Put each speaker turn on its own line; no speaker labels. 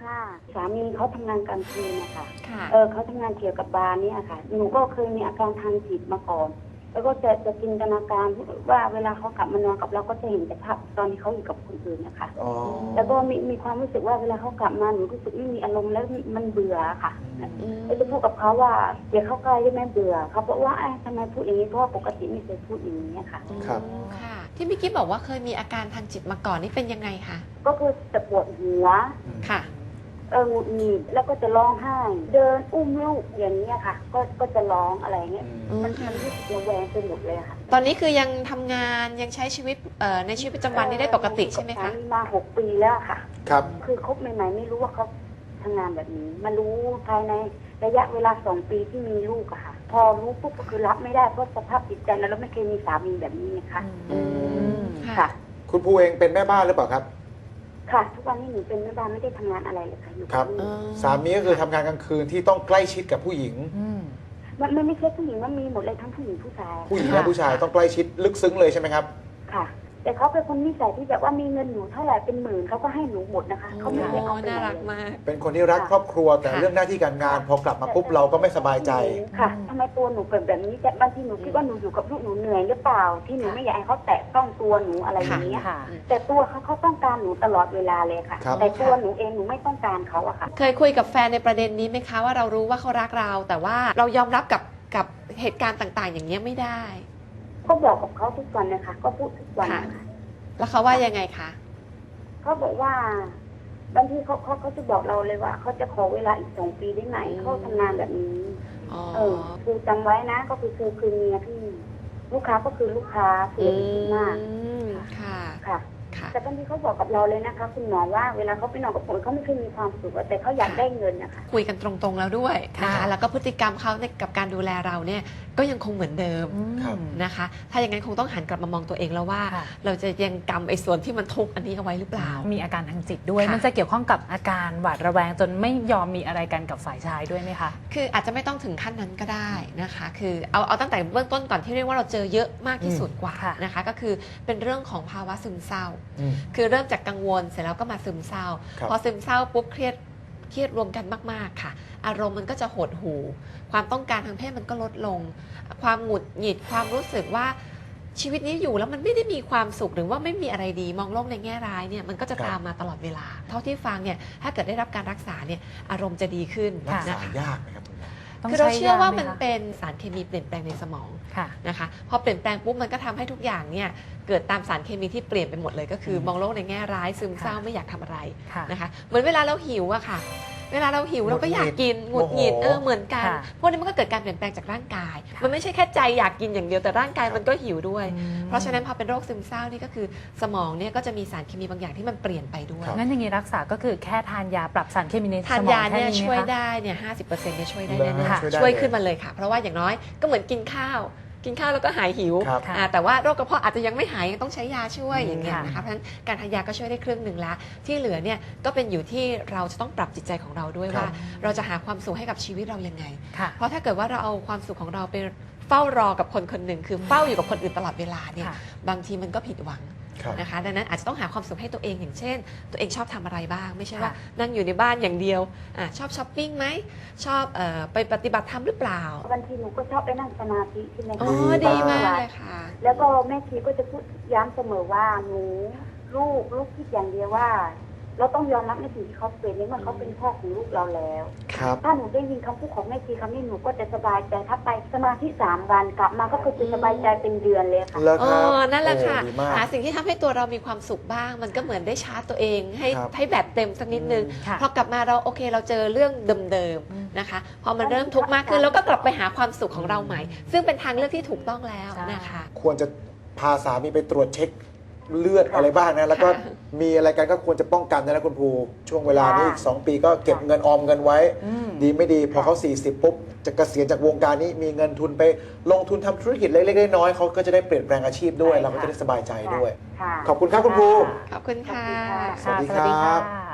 ค่ะสามีเขาทำงานกลางคืนนะคะ
ค่ะ
เขาทำงานเกี่ยวกับบาร์เนี่ยค่ะหนูก็เคยมีอาการทางจิตมาก่อนแล้วก็จะจินตนาการว่าเวลาเขากลับมานอนกับเราก็จะเห็นแต่ภาพตอนที่เขาอยู่กับคนอื่นนะคะ
อ๋อ
แล้วก็มีความรู้สึกว่าเวลาเขากลับมาหนูรู้สึกไม่มีอารมณ์แล้วมันเบื่อค่ะก็จะพูดกับเขาว่าอย่าเข้าใกล้ได้ไหมเบื่อเขาบอกว่าทำไมพูดอย่างนี้เพราะว่าปกติไม่เคยพูดอย่างนี้ค่ะ
ครับ
ค่ะ ที่พี่กิ๊บบอกว่าเคยมีอาการทางจิตมาก่อนนี่เป็นยังไงคะ
ก็คือจะปวดหัว
ค่ะ
หงุดหงิดแล้วก็จะร้องไห้ เดินอุ้มลูกอย่างนี้ยค่ะ ก็จะร้องอะไรเงี้ยมันรู้สึกระแวงไปหมดเลยค่ะ
ตอนนี้คือยังทำงานยังใช้ชีวิตในชีวิตประจำวันนี้ได้ปกติใช่ไหมคะ
มา6 ปีแล้วค่ะ
ครับ
คือคบใหม่ๆไม่รู้ว่าเขาทำงานแบบนี้มารู้ภายในระยะเวลา2 ปีที่มีลูกอะค่ะ พอรู้ปุ๊บก็คือรับไม่ได้เพราะสภาพจิตใจแล้วไม่เคยมีสามีแบบนี้นะคะ
ค่ะ
ค่ะ
คุณภูเองเป็นแม่บ้านหรือเปล่าครับ
ค่ะ ทุกวันนี้หนูเป็นแม่บ้านไม่ได้ทำงานอะไรเลยค่ะอยู่
ครับ
ที่นี่
สามีก็คือทำงานกลางคืนที่ต้องใกล้ชิดกับผู้หญิง
มันไม่ใช่ผู้หญิงมันมีหมดเลยทั้งผู้หญิงผู้ชาย
ผู้หญิงและผู้ชายต้องใกล้ชิดลึกซึ้งเลยใช่ไหมครับ
ค่ะ แต่เขาเป็นคนนิสัยที่แบบว่ามีเงินหนูเท่าไหร่เป็นหมื่นเขาก็ให้หนูหมดนะคะเขาไม่ได้เอาไป
น่า
ไหน
รัก
เลย
มาก
เป็นคนที่รักครอบครัวแต่
ค่ะ
เรื่องหน้าที่การงานพอกลับมาปุ๊บเราก็ไม่สบายใจ
ค่ะทำไมตัวหนูเป็นแบบนี้แต่บางทีหนูคิดว่าหนูอยู่กับลูกหนูเหนื่อยหรือเปล่า ที่หนูไม่อยากให้เขาแตะต้องตัวหนูอะไรอย่างเงี้ย
ค่ะ
แต่ตัวเขาต้องการหนูตลอดเวลาเลยค่ะ
ครับ
แต่ตัวหนูเองหนูไม่ต้องการเขาอะค่ะ
เคยคุยกับแฟนในประเด็นนี้ไหมคะว่าเรารู้ว่าเขารักเรา แต่ว่าเรายอมรับกับเหตุการณ์ต่างๆ อย่างนี้ยไม่ได้
ก็บอกกับเขาทุกวันนะคะก็พูดทุกวันนะคะ
แล้วเขาว่ายังไงคะ
เขาบอกว่าบางทีเขาจะบอกเราเลยว่าเขาจะขอเวลาอีก2 ปีได้ไหมเขาทำงานแบบนี้
อ๋อ
คือจำไว้นะก็คือเมียพี่ลูกค้าก็คือลูกค้าคืออย่าไปคิดมาก
ค่ะ
ค่ะ
ค่ะ
แต่บางทีเขาบอกกับเราเลยนะคะ คุณหมอว่าเวลาเขาไปนอนกับผมเขาไม่เคยมีความสุขอะแต่เขาอยากได้เงินนะคะ
คุยกันตรงๆแล้วด้วยนะคะ
ค่ะ
แล้วก็พฤติกรรมเขาในกับการดูแลเราเนี่ยก็ยังคงเหมือนเดิม
ครับ
นะคะ ถ้าอย่างนั้นคงต้องหันกลับมามองตัวเองแล้วว่า
ค่ะ
เราจะยังกำไอ้ส่วนที่มันทุกข์อันนี้เอาไว้หรือเปล่า
มีอาการทางจิตด้วย
ค่ะ
มันจะเกี่ยวข้องกับอาการหวาดระแวงจนไม่ยอมมีอะไรกันกับฝ่ายชายด้วยไหมคะ
คืออาจจะไม่ต้องถึงขั้นนั้นก็ได้นะคะ คือเอาตั้งแต่เบื้องต้นก่อนที่เรียกว่าเราเจอเยอะมากที่สุดกว่า
ค่ะ
นะคะ ก็คือเป็นเรื่องของภาวะซึมเศร้า
อืม
คือเริ่มจากกังวลเสร็จแล้วก็มาซึมเศร้า
ครับ
พอซึมเศร้าปุ๊บเครียดรวมกันมากๆค่ะ อารมณ์มันก็จะหดหู่ความต้องการทางเพศมันก็ลดลง ความหงุดหงิดความรู้สึกว่าชีวิตนี้อยู่แล้วมันไม่ได้มีความสุขหรือว่าไม่มีอะไรดีมองโลกในแง่ร้ายเนี่ยมันก็จะตามมาตลอดเวลา เท่าที่ฟังเนี่ยถ้าเกิดได้รับการรักษาเนี่ยอารมณ์จะดีขึ้น
รัก
นะ
ษา
คะ
ยากไหมครับคุณหมอ
ต้อง
คือเรา
ใช้
เชื่อว่ามัน
ยไหคะ
เป็นสารเคมีเปลี่ยนแปลงในสมอง
ค่ะ
นะคะพอเปลี่ยนแปลงปุ๊บมันก็ทำให้ทุกอย่างเนี่ยเกิดตามสารเคมีที่เปลี่ยนไปหมดเลยก็คือมองโลกในแง่ร้ายซึมเศร้า
ค่ะ
ไม่อยากทำอะไร
ค่ะ
นะคะเหมือนเวลาเราหิวอะค่ะ เวลาเราหิวเราก็อยากกินห
โม
งุด
โห
หงิดเหมือนกัน
ค่ะ
พวกนี้มันก็เกิดการเปลี่ยนแปลงจากร่างกาย
ค่ะ
มันไม่ใช่แค่ใจอยากกินอย่างเดียวแต่ร่างกายมันก็หิวด้วย
อืม
เพราะฉะนั้นพอเป็นโรคซึมเศร้านี่ก็คือสมองเนี่ยก็จะมีสารเคมีบางอย่างที่มันเปลี่ยนไปด้วย
ครับ
งั้นอย่างนี้รักษาก็คือแค่ทานยาปรับสารเคมีใน
ทาน
สมอง
ยา
แค่
เนี่ย
นี้
ช่วย
ไหมคะ
ได้เนี่ย50%เนี่ยช่วยได้
เหรอ
แน่
ฮะ
ๆช่วยขึ้นมาเลยค่ะ เพราะว่าอย่างน้อยก็เหมือนกินข้าว กินข้าวแล้วก็หายหิว
ครับ
ค่ะ
แต่ว่าโรคกระเพาะอาจจะยังไม่หายยังต้องใช้ยาช่วย
อืม
อย่างเงี้ย
ค่ะ
นะคะเพราะฉะนั้นการทานยาก็ช่วยได้ครึ่งหนึ่งละที่เหลือเนี่ยก็เป็นอยู่ที่เราจะต้องปรับจิตใจของเราด้วย
ครับ
ว่า เราจะหาความสุขให้กับชีวิตเรายังไง
ค่ะ
เพราะถ้าเกิดว่าเราเอาความสุขของเราไปเฝ้ารอกับคนคนหนึ่งคือเฝ้าอยู่กับคนอื่นตลอดเวลาเนี่ย
ค่ะ
บางทีมันก็ผิดหวัง
ครับ
นะคะดังนั้นอาจจะต้องหาความสุขให้ตัวเองอย่างเช่น ตัวเองชอบทำอะไรบ้าง ไม่ใช่ว่า
ค่ะ
นั่งอยู่ในบ้านอย่างเดียวชอบช้อปปิ้งไหมชอบไปปฏิบัติธรรมหรือเปล่า
บางทีหนูก็ชอบไปนั่งสมาธิที่ใน
อ๋อ
ดี
ดี
มาม
าก กเลยค่ะ
แล้วก็แม่ชีก็จะพูดย้ำเสมอว่าหนูลูกคิดอย่างเดียวว่า เราต้องยอมรับในสิ่งที่เขาเป็นนี่มันเขาเป็นพ่อของลูกเราแล้ว
ครับ
ถ้าหนูได้ยินคำพูดของแม่ชีคำนี้หนูก็จะสบายใจถ้าไปสมาธิ3 วันกลับมาก็คือจะสบายใจเป็นเดือนเลยค่ะ
แล้ว
อ๋
ค
อ
รับ
นั่นแหละค่ะ
โอ้ดีมาก
หาสิ่งที่ทำให้ตัวเรามีความสุขบ้าง มันก็เหมือนได้ชาร์จตัวเองให้
ครับ
ให้แบตเต็มสักนิดนึง
ค่ะ
พอกลับมาเราโอเคเราเจอเรื่องเดิมๆนะคะ พอมันเริ่มทุกข์มากขึ้นเราก็กลับไปหาความสุขของเราใหม่ ซึ่งเป็นทางเลือกที่ถูกต้องแล้วนะคะ
ควรจะพาสามีไปตรวจเช็คเลือดอะไรบ้างนะ แล้วก็
ค่ะ
มีอะไรกันก็ควรจะป้องกันนะคุณภูช่วงเวลานี้อีก 2 ปีก็เก็บเงินออมเงินไว้
อืม
ดีไม่ดีพอเขา 40 ปุ๊บ จะเกษียณจากวงการนี้มีเงินทุนไปลงทุนทำธุรกิจเล็กๆน้อยๆเขาก็จะได้เปลี่ยนแปลงอาชีพด้วย
ใช่ค่ะ
เราก็จะได้สบายใจด้วย
ค่ะ
ขอบคุณครับคุณภู
ขอบคุณค่ะ
ขอบคุณค่ะ
สวัสดีครับ
ค่ะ